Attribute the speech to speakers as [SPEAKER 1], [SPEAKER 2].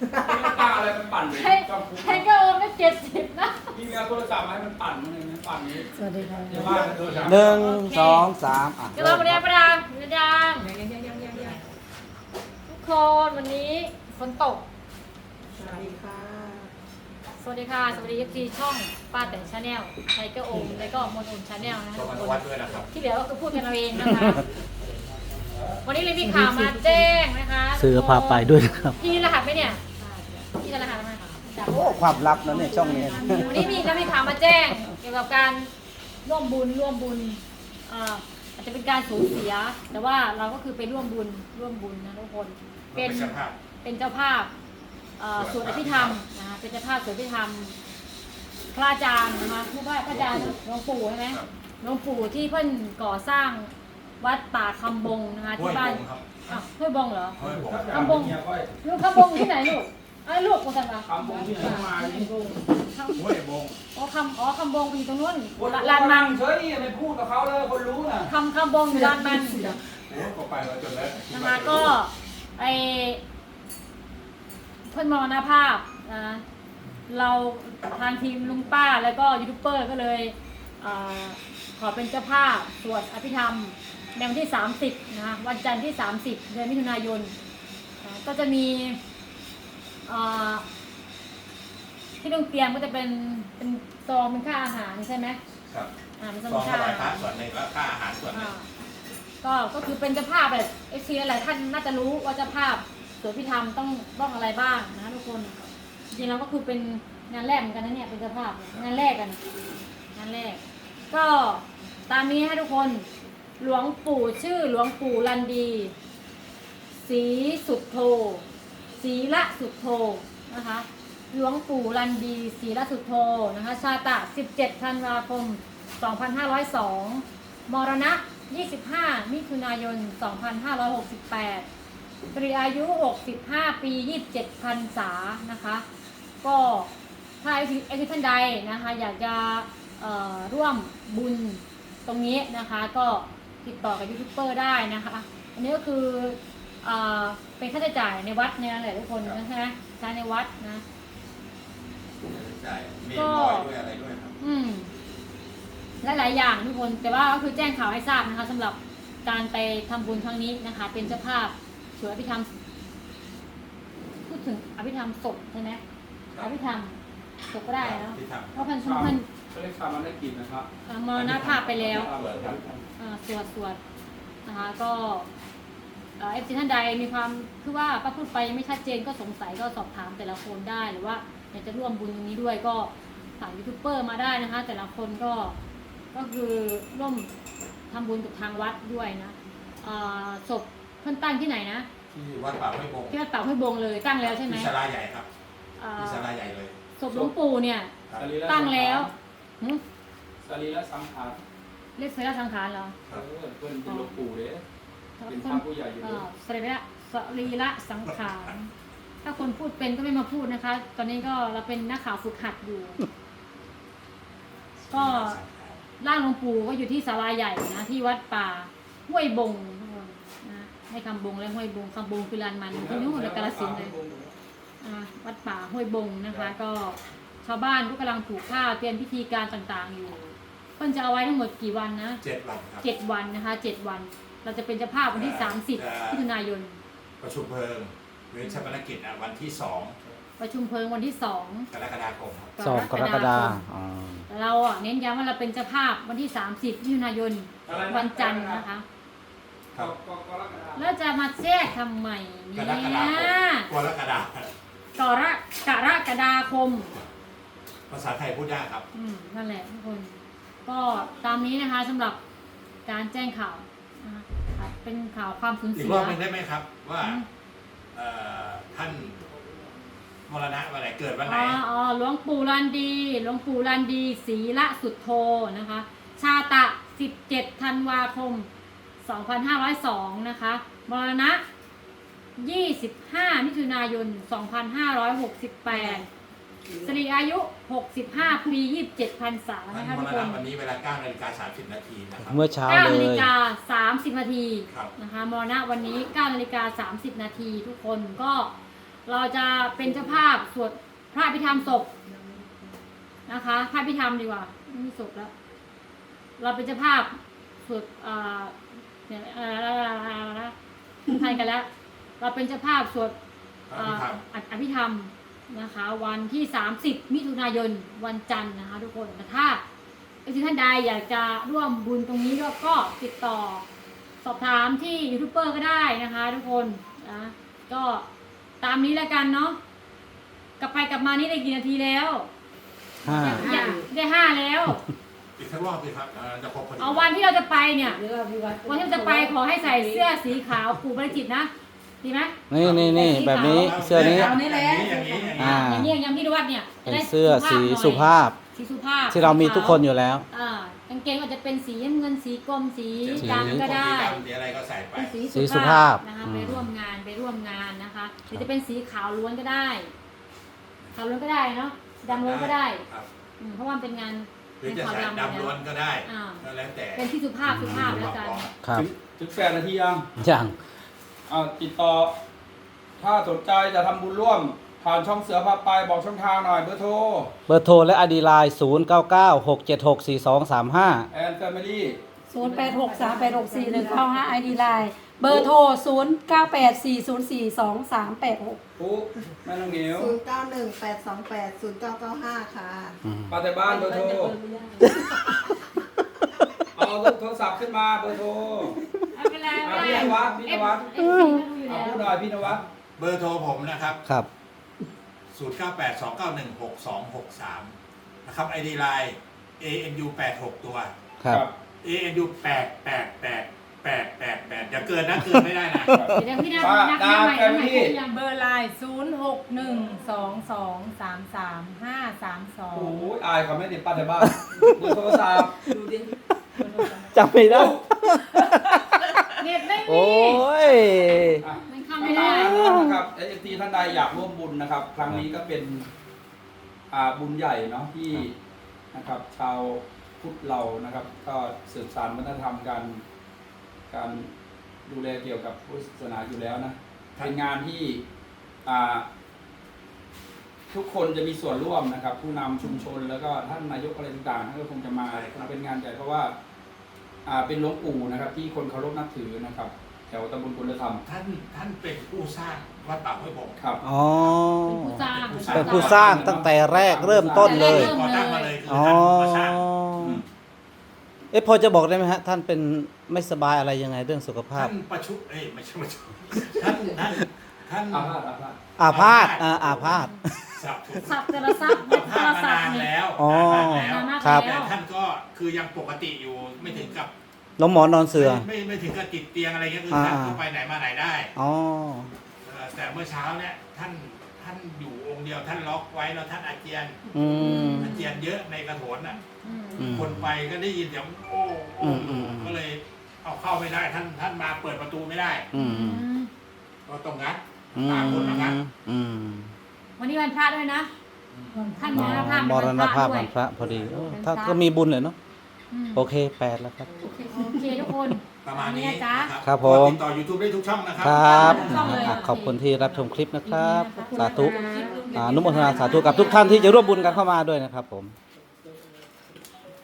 [SPEAKER 1] ป้าอะไรมันปั่นเลย
[SPEAKER 2] ใช้ก็โอนได้70นะ
[SPEAKER 1] พี่เอาโทรศัพท์มาให้มันปั่นมันเลยนะปั่นนี้
[SPEAKER 2] สวัสดีค่ะ
[SPEAKER 1] ในบ้านโทรศัพท์
[SPEAKER 3] หนึ่งสองสามอ่ะ
[SPEAKER 2] กระโดดประเดี๋ยวประดังประดังทุกคนวันนี้ฝนตก
[SPEAKER 4] สวัสดีค่ะ
[SPEAKER 2] สวัสดีค่ะ สวัสดีที่ช่องป้าแต่ชาแนลไทเกอร์โอมแล้วก็มนอุ่นชาแนลนะคะ
[SPEAKER 5] ขอบ
[SPEAKER 2] ทุก
[SPEAKER 5] คุณ
[SPEAKER 2] คน
[SPEAKER 5] วัดด้วยนะครับ
[SPEAKER 2] ที่เหลือก็คือพูดกันเอาเองนะคะ วันนี้เลยมีข่าวมาแจ้งนะคะ
[SPEAKER 3] เสือพาไปด้วยนะครับ
[SPEAKER 2] พี่รหัสไหมเนี่ยพี่รหัสไหมจับ
[SPEAKER 3] โอ้ความลับนะเนี่ยช่องนี้
[SPEAKER 2] วันนี้มีข่าวมาแจ้งเกี่ยวกับการร่วมบุญอาจจะเป็นการสูญเสีย แต่ว่าเราก็คือไปร่วมบุญนะทุกคนเป็นเจ้าภาพสวดอภิธรรมนะคะเป็นเจ้าภาพสวดอภิธรรมพระอาจารย์นะคะผู้ว่าพระอาจารย์หลวงปู่ใช่ไหมหลวงปู่ที่เพิ่นก่อสร้างวัดป่าคำบงนะคะที่บ้านห้วยบงเหรอ คำบงลูกคำบงที่ไหนลูกลูกกูสั่งมา
[SPEAKER 1] คำบงที่ไหนมานี่
[SPEAKER 5] ห้วยบง
[SPEAKER 2] คำบงไปอยู่ตรงนู้น
[SPEAKER 1] ลานมันเฉยนี่ไม่พูดกับเขาเลยคนรู้น่ะ
[SPEAKER 2] คำบงอยู่ลานมัน
[SPEAKER 5] โอ้ก็ไปแล้วจนแล้ว
[SPEAKER 2] นะคะก็ไอเพื่อนมรณภาพนะเราทางทีมลุงป้าแล้วก็ยูทูบเบอร์ก็เลยขอเป็นเจ้าภาพสวดอภิธรรมในวันที่30นะคะวันจันทร์ที่30เดือนมิถุนายนก็จะมีที่ต้องเตรียมก็จะเป็นซองเป็นค่าอาหารใช่ไหม
[SPEAKER 5] ครับ
[SPEAKER 2] เป็น
[SPEAKER 5] ซ
[SPEAKER 2] ซ
[SPEAKER 5] อ
[SPEAKER 2] อง
[SPEAKER 5] ง
[SPEAKER 2] ค่า
[SPEAKER 5] ถวา
[SPEAKER 2] อาย
[SPEAKER 5] พระ
[SPEAKER 2] หาร
[SPEAKER 5] ส่วนหนึ่งแล้วค่าอาหารส่วนหนึ่ง
[SPEAKER 2] ก็คือเป็นเจ้าภาพแบบเอฟซีหลายท่านน่าจะรู้ว่าเจ้าภาพสวดพิธรรมต้องอะไรบ้างนะทุกคนจริงๆแล้วก็คือเป็นงานแรกเหมือนกันนะเนี่ยเป็นเจ้าภาพงานแรกกันงานแรกก็ตามนี้ให้ทุกคนหลวงปู่ชื่อหลวงปู่ลันดีศรีสุดโทศรีละสุดโทนะคะหลวงปู่ลันดีศรีละสุดโทนะคะชาตะ17ธันวาคม2502มรณะ25มิถุนายน2568ปริอายุ65ปี27พรรษานะคะก็ถ้าไอ้ท่านใดนะคะอยากจะร่วมบุญตรงนี้นะคะก็ติดต่อกับยูทูบเบอร์ได้นะคะอันนี้ก็คือเป็นค่าใช้จ่ายในวัดเนี่ยแหละทุกคนนะใช่ไหมใช้ในวัดนะ
[SPEAKER 5] ใช่มีลอยด้วยอะไรด้วยครับ
[SPEAKER 2] หลายๆอย่างทุกคนแต่ว่าก็คือแจ้งข่าวให้ทราบนะคะสำหรับการไปทำบุญครั้งนี้นะคะเป็นเจ้าภาพสวดอภิธรรมพูดถึงอภิธรรมศพใช่ไหมอภิธรรมศพก็ได้แล้ว
[SPEAKER 5] ที่ท
[SPEAKER 2] เพราะเพิ่น
[SPEAKER 1] ก็เรียกชามันได้กินนะครับ
[SPEAKER 2] มรณภาพไปแล้ว สวดนะคะก็เอฟซีท่านใดมีความคือว่าป้าพูดไปยังไม่ชัดเจนก็สงสัยก็สอบถามแต่ละคนได้หรือว่าอยากจะร่วมบุญตรงนี้ด้วยก็ฝากยูทูบเบอร์มาได้นะคะ แต่ละคนก็คือร่วมทำบุญกับทางวัดด้วยนะศพเพิ่นตั้งที่ไหนนะ
[SPEAKER 5] ำที่วัดป่าห้วยบง
[SPEAKER 2] ที่วัดป่าห้วยบงเลยตั้งแล้วใช่ไหม
[SPEAKER 5] ที่ศาลาใหญ่ครับที่ศาลาใหญ่เลย
[SPEAKER 2] ศพหลวงปู่เนี่ย
[SPEAKER 5] ครับ
[SPEAKER 2] ตั้งแล้ว
[SPEAKER 1] สรีระสังขาร
[SPEAKER 2] เรียกเสรีสังขารเหรอ
[SPEAKER 1] เพื่อนเป็นหลวงปู่เด้เป็นพระผู้ใหญ่อยู่เลย
[SPEAKER 2] สรีระสังขารถ้าคนพูดเป็นก็ไม่มาพูดนะคะ ตอนนี้ก็เราเป็นนักข่าวฝึกหัดอยู่ ก็ร่างหลวงปู่ก็อยู่ที่ศาลาใหญ่นะที่วัดป่าห้วยบงนะให้คำบงและห้วยบงคำบงคือลานมันที่นู่นในกาฬสินธุ์เลยวัดป่าห้วยบงนะคะ ก็ชาวบ้านก็กำลังปลูกข้าวเตรียมพิธีการต่างๆอยู่เพิ่นจะเอาไว้ทั้งหมดกี่วันนะ
[SPEAKER 5] 7 วันครับ
[SPEAKER 2] 7 วันนะคะ7 วัน เราจะเป็นเจ้าภาพวันที่30มิถุนายน
[SPEAKER 5] ประชุมเพลิงหรือชาปนกิจวันที่2
[SPEAKER 2] ประชุมเพลิงวันที่2
[SPEAKER 5] กรกฎาคมครับ
[SPEAKER 3] 2 กรกฎาคม
[SPEAKER 2] เราเน้นย้ำว่าเราเป็นเจ้าภาพวันที่30มิถุนายนวันจันทร์นะคะ
[SPEAKER 5] ครับ
[SPEAKER 2] แล้วจะมาแทรกทำไม
[SPEAKER 5] ก
[SPEAKER 2] เนี่
[SPEAKER 5] รกฎาคม
[SPEAKER 2] ย
[SPEAKER 5] กรกฎาคม
[SPEAKER 2] กรกฎาคม
[SPEAKER 5] ภาษาไทยพูดยากครับ
[SPEAKER 2] นั่นแหละทุกคน ก็ตามนี้นะคะสำหรับการแจ้งข่าวนะคะเป็นข่าวความสูญ
[SPEAKER 5] อี
[SPEAKER 2] เสี
[SPEAKER 5] ก
[SPEAKER 2] ย
[SPEAKER 5] รอบหนึงได้ไหมครับ ว่าท่านมรณะวันไหนเกิดวันไหน
[SPEAKER 2] หลวงปู่ลันดีศรีละสุดโทนะคะ ชาตะ17ธันวาคม2502นะคะมรณะ25มิถุนายน2568สรีอายุ65ปี27พรรษา
[SPEAKER 5] ท่าน
[SPEAKER 2] นะคะ
[SPEAKER 5] ม
[SPEAKER 2] ทุก
[SPEAKER 5] ร
[SPEAKER 2] ค
[SPEAKER 5] ณะ
[SPEAKER 2] น
[SPEAKER 5] วันนี้เวลา 9:30 นาทีนะครับ
[SPEAKER 3] เมื่อเช้า
[SPEAKER 2] 9
[SPEAKER 3] เล
[SPEAKER 2] นาฬิ
[SPEAKER 3] ย
[SPEAKER 2] กา30 นาที
[SPEAKER 5] ครับ
[SPEAKER 2] นะคะมรณะวันนี้9 นาฬิกา30 นาทีทุกคนก็เราจะเป็นเจ้าภาพสวดพระอภิธรรมศพนะคะพระอภิธรรมดีกว่าไม่มีศพแล้ว เราเป็นเจ้าภาพสวดเนี่ยไทยกันแล้ว เราเป็นเจ้าภาพสวดอภิธรรมนะคะ วันที่ 30 มิถุนายนวันจันทร์นะคะทุกคนแต่ถ้าท่านใดอยากจะร่วมบุญตรงนี้ก็ติดต่อสอบถามที่ยูทูบเบอร์ก็ได้นะคะทุกคนนะก็ตามนี้แล้วกันเนาะกลับไปกลับมานี่ได้กี่นาทีแล้ว
[SPEAKER 3] 5
[SPEAKER 2] ได้ 5 แล้ว
[SPEAKER 5] อีกสักรอบสิครับจะครบพอดี
[SPEAKER 2] เอาวันที่เราจะไปเนี่ย
[SPEAKER 4] เรื่องพิวัตร
[SPEAKER 2] วันที่เราจะไปขอให้ใส่เสื้อสีขาวปู่บริจิตรนะดีไหม
[SPEAKER 3] นี่แบบนี้เสื้อนี้
[SPEAKER 5] อย่างนี้อย่างนี้
[SPEAKER 3] อ่า
[SPEAKER 2] อย่างนี้อย่างที่ดูวัดเนี่ย
[SPEAKER 3] เป็นเสื้อสีสุภาพ
[SPEAKER 2] สีสุภาพ
[SPEAKER 3] ที่เรามีทุกคนอยู่แล้ว
[SPEAKER 2] กางเกงก็จะเป็นสีเงินสีกรมสี
[SPEAKER 3] สี
[SPEAKER 2] ดำก็ได้
[SPEAKER 5] สีอะไรก็ใส่ไป
[SPEAKER 2] เป็น
[SPEAKER 3] สี
[SPEAKER 2] สี
[SPEAKER 3] สุภาพ
[SPEAKER 2] นะคะ
[SPEAKER 3] อืม
[SPEAKER 2] ไปร่วมงานนะคะหรือจะเป็นสีขาวล้วนก็ได้ขาวล้วนก็ได้เนาะดำล้วนก็ได้
[SPEAKER 5] ครับ
[SPEAKER 2] เพราะว่ามันเป็นงาน
[SPEAKER 5] หรือจะใส่ดำล้วนก็ได้
[SPEAKER 2] อ่า
[SPEAKER 5] ก็แล้วแต่
[SPEAKER 2] เป็นที่สุภาพแล้วกัน
[SPEAKER 3] ครับ
[SPEAKER 1] ถึง8 นาทียัง
[SPEAKER 3] อย่าง
[SPEAKER 1] ติดต่อ ถ้าสนใจจะทำบุญร่วม ผ่านช่องเสือพาไปบอกช่องทางหน่อยเบอร์โทร
[SPEAKER 3] เบอร์โทรและอดีไลน์0996764235
[SPEAKER 1] แอนแฟมิลี่
[SPEAKER 4] 0863864195 ID Line เบอร์โทร 0984042386
[SPEAKER 1] ปุ๊แม่น้องเหนียว
[SPEAKER 4] 0918280995 ค่ะ
[SPEAKER 1] ป้าแต่บ้านเบอร์โทร เอาโทรศัพท์ขึ้นมาเบอร์โทร
[SPEAKER 2] ไม่เป็นไร
[SPEAKER 1] พี่นวัดพี่นวัด
[SPEAKER 2] เอฟซีก็ดูอยู่
[SPEAKER 1] เอา
[SPEAKER 2] แล้ว
[SPEAKER 1] พูดหน่อยพี่นวัด
[SPEAKER 5] เบอร์โทรผมนะครับ
[SPEAKER 3] ครับ
[SPEAKER 5] 0982916263 นะครับ ID Line ANU 86 ตัว
[SPEAKER 3] ครับ
[SPEAKER 5] ANU 88888อย่าเกินนะเกินไม่ได้นะ
[SPEAKER 2] เดี๋ยวพี่นับ
[SPEAKER 1] ป้า
[SPEAKER 2] นับ
[SPEAKER 1] ดาว
[SPEAKER 2] ใหม่
[SPEAKER 1] แฟมิลี่
[SPEAKER 2] ยัง
[SPEAKER 6] เบอร์ไลน์0612233532
[SPEAKER 1] โอ้ยอายเขาไม่ติดป้าแต่บ้านเบอร์โทรศัพท์
[SPEAKER 3] จำไม่ได้
[SPEAKER 2] เน็ตไม่
[SPEAKER 3] โอ้
[SPEAKER 2] มี
[SPEAKER 3] ย
[SPEAKER 2] มันเข้าไม่ได้
[SPEAKER 1] นะครับเอฟซีท่านใดอยากร่วมบุญนะครับ ครั้งนี้ก็เป็นบุญใหญ่เนาะที่นะครับ ชาวพุทธเรานะครับ ก็สืบสานวัฒนธรรมการดูแลเกี่ยวกับพุทธศาสนาอยู่แล้วนะเป็นงานที่ทุกคนจะมีส่วนร่วมนะครับ ผู้นำชุมชนแล้วก็ท่านนายกอะไรต่างๆท่านก็คงจะมาเป็นงานใหญ่เพราะว่าเป็นหลวงปู่นะครับ ที่คนเคารพนับถือนะครับ แถวตำบลกุลธรรม
[SPEAKER 5] ท่านเป็นผู้สร้างวัดป่าห้วยบง
[SPEAKER 1] ครับ
[SPEAKER 3] อ๋อ
[SPEAKER 2] เป็นผู้สร้าง
[SPEAKER 3] เป็นผู้สร้างตั้งแต่แรกเริ่มต้นเลย
[SPEAKER 5] ก่อตั้งมาเลยคือ
[SPEAKER 3] อ๋อ
[SPEAKER 5] ท่านมาสร้าง
[SPEAKER 3] พอจะบอกได้ไหมฮะ ท่านเป็นไม่สบายอะไรยังไงเรื่องสุขภาพ
[SPEAKER 5] ท่านประชุมไม่ใช่ประชุมท่าน
[SPEAKER 1] อาพาธ
[SPEAKER 3] อาพาธ
[SPEAKER 5] สับ
[SPEAKER 2] สับแต่ละซับ
[SPEAKER 5] อา
[SPEAKER 2] แต่
[SPEAKER 5] พา
[SPEAKER 2] ละ
[SPEAKER 5] ธ
[SPEAKER 2] ซับ
[SPEAKER 5] มานาน
[SPEAKER 2] เนี่ย
[SPEAKER 5] แล้ว
[SPEAKER 3] อ๋อ
[SPEAKER 5] นานแล้ว
[SPEAKER 3] ครับ
[SPEAKER 5] แต่ท่านก็คือยังปกติอยู่ไม่ถึงกับ
[SPEAKER 3] ล้มหมอนนอนเสือ
[SPEAKER 5] ไม่ถึงกับติดเตียงอะไรเงี้ยคือ
[SPEAKER 3] อ่า
[SPEAKER 5] ท่านก็ไปไหนมาไหนได้
[SPEAKER 3] อ๋อ
[SPEAKER 5] แต่เมื่อเช้าเนี่ยท่านอยู่องค์เดียวท่านล็อกไว้แล้วท่านอาเจียน
[SPEAKER 3] อืม
[SPEAKER 5] อาเจียนเยอะในกระโถนน่ะ
[SPEAKER 3] อืม
[SPEAKER 5] คนไปก็ได้ยินเสียงโอ้
[SPEAKER 3] อืมอืม
[SPEAKER 5] ก็เลยเอาเข้าไม่ได้ท่านมาเปิดประตูไม่ได้
[SPEAKER 3] อืม
[SPEAKER 5] ก็ต้องงัด
[SPEAKER 3] อื
[SPEAKER 5] ตามคนมางัด
[SPEAKER 3] ม
[SPEAKER 2] วันนี้วันพระด้วยนะ ท่าน
[SPEAKER 3] อ๋
[SPEAKER 2] ม
[SPEAKER 3] อ
[SPEAKER 2] รณภาพ
[SPEAKER 3] มรณภาพ
[SPEAKER 2] ด้ว
[SPEAKER 3] วั
[SPEAKER 2] ย
[SPEAKER 3] นพระพอดีถ้าก็มีบุญเลยเนาะ
[SPEAKER 2] อืม
[SPEAKER 3] โอเค 8 แล้วครับ
[SPEAKER 2] โอเคทุกคน
[SPEAKER 5] ประมาณนี้
[SPEAKER 2] นี่นะจ๊ะ
[SPEAKER 3] ครับผม
[SPEAKER 5] ติดต่อ YouTube ได้ทุกช่องนะครั
[SPEAKER 3] ครับ
[SPEAKER 2] ช่องเลย
[SPEAKER 3] ขอบคุณที่รับชมคลิปนะครับ
[SPEAKER 2] ขอบคุณ
[SPEAKER 3] สาธุ
[SPEAKER 2] นะคะ
[SPEAKER 3] อนุโมทนาสาธุกับทุกท่านที่จะร่วมบุญกันเข้ามาด้วยนะครับผม